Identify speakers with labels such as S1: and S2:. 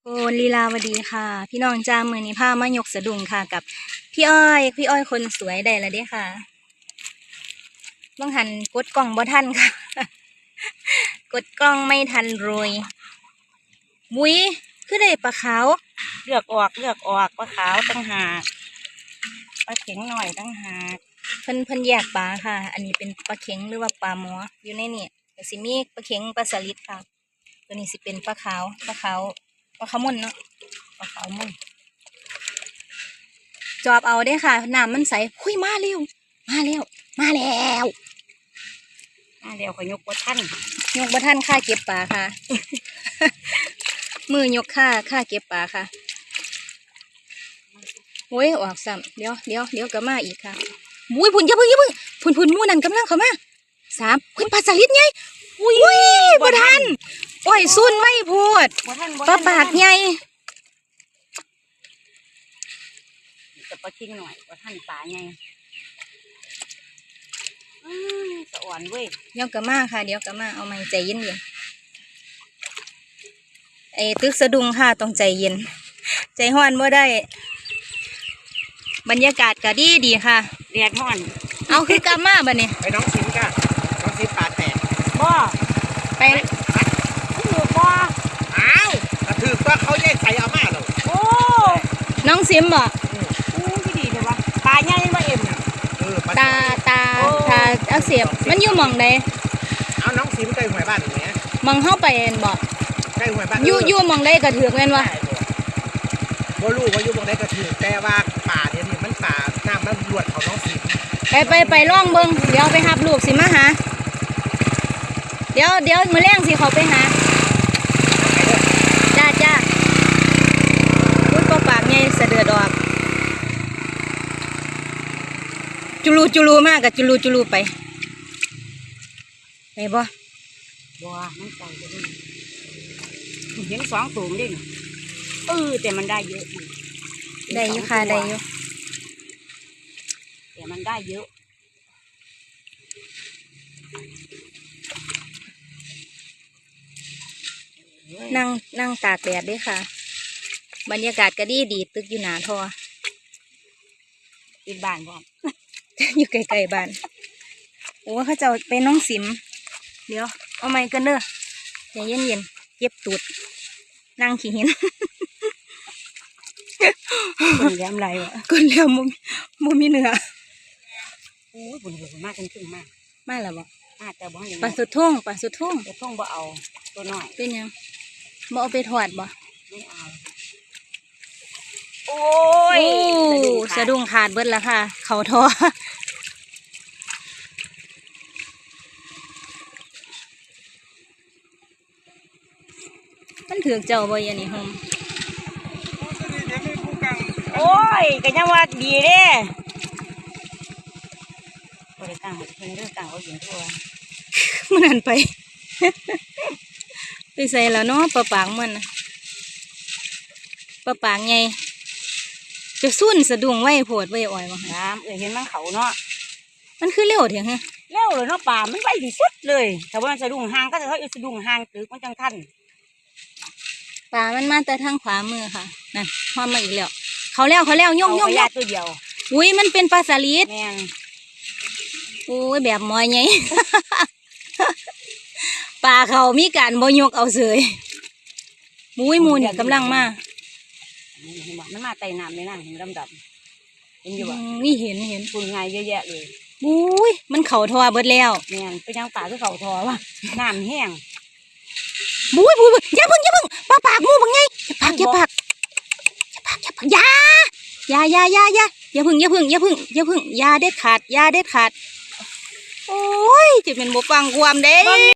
S1: โกนลีลาวดีค่ะ พี่น้องจ้ามือนี้พามายกสะดุ้งค่ะกับพี่อ้อยคนสวยได้แล้วเด้ค่ะต้องหันกดกล้องบ่ทันค่ะ กดกล้องไม่ทันโรยมุ้ยคือได้ปลาขาว
S2: เลือกออกปลาขาวตั้งหากปลาเข็งหน่อยตั้งหาก
S1: เพิ่นแยกปลาค่ะ อันนี้เป็นปลาเข็งหรือว่าปลาหมออยู่ในนี่แต่สิมีปลาเข็งปลาสลิดค่ะตัวนี้สิเป็นปลาขาวมุ่นเนาะปลาขาวมุ่นจอบเอาได้ค่ะน้ำมันใสคุยมาเร็ว
S2: ขอยกว่าท่าน
S1: ยกบ่ทันค่าเก็บปลาค่ะ มือยกค่าเก็บปลาค่ะโอ้ยออกซ้ำเดี๋ยวก็มาอีกค่ะมุ้ยพุ่นอย่าเพิ่งพุ่นมู่นั่นกำลังเข้ามา3คุณปลาสลิดไงอุ้ยบ่ทันโอ้ยซุ่นไม่พูดปลาปากใหญ่
S2: จะปลาเข็งหน่อยว่าท่านปลาไงสะอ่อนเว้ย
S1: เดี๋ยวก็มาค่ะเดี๋ยวก็มาเอาไม้ใจเย็นไอ้ตึกสะดุ้งค่ะต้องใจเย็นใจห้อนบ่ได้บรรยากาศก็ดีค่ะ
S2: แดดห้อน
S1: เอาคือกลับมาบ่เนี่ย
S3: ไปน้องซิมก็น้องซิมปลาแตก
S2: บ่
S1: ไป
S2: ถือบ่
S3: อ้าวกระถือว่าเขาแยกใส่เอามาเลย
S2: โอ้
S1: น้องซิมบ่
S2: ที่ดีเลยวะปลาใหญ่บ่เอ็ม
S1: ตาอักเสบมันอยู่หม่องใด
S3: เอาน้องซิมใกล้หัวบ้านอย่างเงี้ย
S1: มองเข้าไปเอ็นบ่
S3: ใกล้หัวบ้าน
S1: อยู่มองได้กระเถือกแม่นวะ
S3: บ่รู้ว่าอยู่มองได้กระถือแต่ว่าป่าเนี่ยมันป่าน้ำมันรวดของน้องซิม
S1: ไปล่องเบิ้งเดี๋ยวไปหับลูกสิมาหาเดี๋ยวมื้อแรงสิเขาไปหาจ้าพูดปากไงเสดือดออกจุลูมากกับจุลูไปบ่
S2: มันใส่ไปดิเห็น2ตัวดิแต่มันได้เยอะ
S1: ได้อยู่ค่ะได้อยู่
S2: แต่มันได้เยอะ
S1: นั่งตากแดดด้วยค่ะบรรยากาศก็ดีตึกอยู่หนาทอ
S2: ติดบ้านบ่
S1: อยู่ไกลๆบ้านโอ้เขาจะไปน้องสิมเดี๋ยวเอาไม้กันเด้อใจเย็นเก็บตูดนั่งขี้หิน
S2: คนเลี้ยมไรวะ
S1: คนเลี้ยมมุมีเนื้อ
S2: โอ้ยบุญมากขึ้นมาก
S1: มาแล้วบ่
S2: แต่บ่
S1: ปลาสุดทุ่ง
S2: บ่เอาตัวน้อย
S1: เป็นยังบ่เอาไปถอดบ่
S2: ไม่เอาโอ้ย
S1: สะดุ้งขาดเบิดแล้วค่ะเขาทอมันถือเจ้าบ่ยันนี่โฮม
S2: โอ้ยก็ยังว่าดีเด้บริการเพิ่นเรื่องต่างเขาอยู่ทั่ว
S1: มันหันไป ไปใส่แล้วเนาะปลาปากมันปลาปากไงจะสุ่นสะดุ้งไว้โผดไว้อ่อยมา
S2: น้ำเห็นมันเขาเนาะ
S1: มันคือเร็วเถียงฮะ
S2: เร็วเลยเนาะป่ามันไวที่สุดเลยแต่ว่ามันสะดุ้งห่างก็จะเขาสะดุ้งห่างตึกมันจังทัน
S1: ปลามันมาแต่ทางขวามือค่ะนั่นพอมาอีกแล้วเขาแล้วย่อง
S2: ตัวเดียว
S1: อุ้ยมันเป็นปลาสลิด
S2: แม่น
S1: โอ้ยแบบมอยไง ปลาเขามีการบ่ยกเอาเสยมุ้ยมูเนี่ยกำลังมา
S2: มันมาไต่น้ำเลยนะเห็นดำเห็นอยู่บ่
S1: นี่เห็น
S2: ฝุ่นไงเยอะแยะเลย
S1: มุ้ยมันเข่าทอเบิดแล้ว
S2: แม่นไปยังป่าคือเข่าทอวะน้ำแห้ง
S1: มุ้ยอย่าพึ่งปลาปากมูบังไงอย่าปากอย่าพึ่งอย่าเด็ดขาดโอ้ยจะเป็นบ่ฟังความเด้